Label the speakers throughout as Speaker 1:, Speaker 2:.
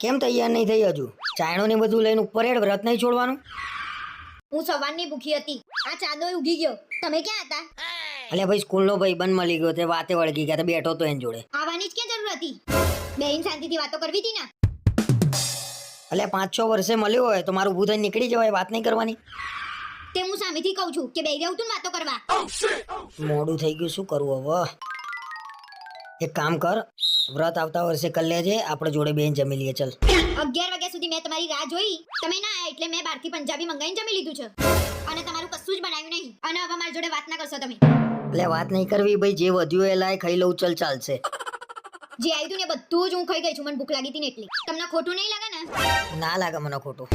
Speaker 1: કેમ તૈયાર નહીં થઈ હજુ? ચાયણો ને બધું લઈને ઉપર હેડ, વ્રત નહીં છોડવાનું?
Speaker 2: હું સવારની ભૂખી હતી, આ ચાદોય ઉગી ગયો. તમે ક્યાં હતા?
Speaker 1: એટલે ભાઈ સ્કૂલનો ભાઈબંધ મળી ગયો, તે વાતે વળગી ગયા, તે બેઠો તો એની જોડે.
Speaker 2: આવવાની જ ક્યાં જરૂર હતી? બેન શાંતિથી વાતો કરવી હતી ને.
Speaker 1: એટલે 5-6 વર્ષે મળ્યો હોય તો મારું ઊભું થઈને નીકળી જવાય, વાત નહીં કરવાની.
Speaker 2: તે હું સામેથી કહું છું કે બેહી રહું તું વાતો કરવા.
Speaker 1: મોડું થઈ ગયું, શું કરવું હવે? એક કામ કર, વ્રત આવતા વર્ષે કરી લેજે, આપણે જોડે બેન જમી લઈએ. ચલ
Speaker 2: 11 વાગ્યા સુધી મેં તમારી રાહ જોઈ, તમે ના આયા એટલે મેં બહારથી પંજાબી મંગાઈને જમી લીધું છે અને તમારું કશું જ બનાવ્યું નહીં. અને હવે મારી જોડે વાત ના કરશો તમે.
Speaker 1: એટલે વાત નહીં કરવી ભાઈ, જે વધ્યું એ લાય, ખાઈ લઉં, ચલ ચાલશે.
Speaker 2: જે આવ્યું તું ને બધું જ હું ખાઈ ગઈ છું, મને ભૂખ લાગી હતી ને એટલી. તમને ખોટું નહીં લાગે ને?
Speaker 1: ના લાગે મને ખોટું.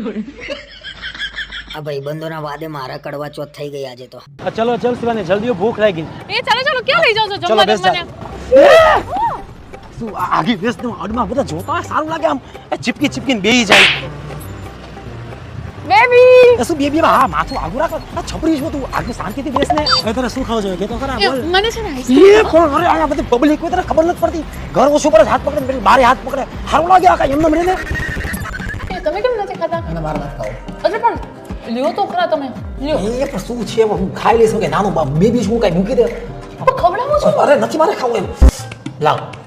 Speaker 1: આ ભાઈબંધોના વાદે મારા કડવા ચોથ થઈ ગઈ આજે તો.
Speaker 3: ચલો ચલ શિવાની, જલ્દી ભૂખ લાગી.
Speaker 4: એ ચાલો ચાલો, ક્યાં લઈ જાવ છો
Speaker 3: ચલો
Speaker 4: જમવા
Speaker 3: બેસ
Speaker 4: મને?
Speaker 3: તું આગે બેસ ને, અડમાં બધા જોતા હોય સારું લાગે, આમ ચીપકી ચીપકીને બેહી જાય.
Speaker 4: બેબી
Speaker 3: શું બેબી? હા માથું આગું રાખ, આ છપરી છો તું, આગે શાંતિથી બેસ ને. હવે તને શું ખાવ જોઈએ કે તો ખરા બોલ.
Speaker 4: મને છે ને
Speaker 3: એ કોણ? અરે આ બધી પબ્લિક કોઈ તને ખબર નથી પડતી. ઘર ઓછું પડે, હાથ પકડે, પેલી બારે હાથ પકડે, સારું લાગે આ કાંઈ એમને મળીને.
Speaker 4: તમે કેમ નથી ખાતા?
Speaker 3: અને માર વાત ખાઓ.
Speaker 4: અરે પણ લ્યો તો ખરા તમે, લ્યો.
Speaker 3: એ પણ શું છે, હું ખાઈ લઈશ કે નાનું બેબી શું કાંઈ મૂકી દે.
Speaker 4: ખવડાવો છો?
Speaker 3: અરે નથી મારે ખાવું એમ. લાવ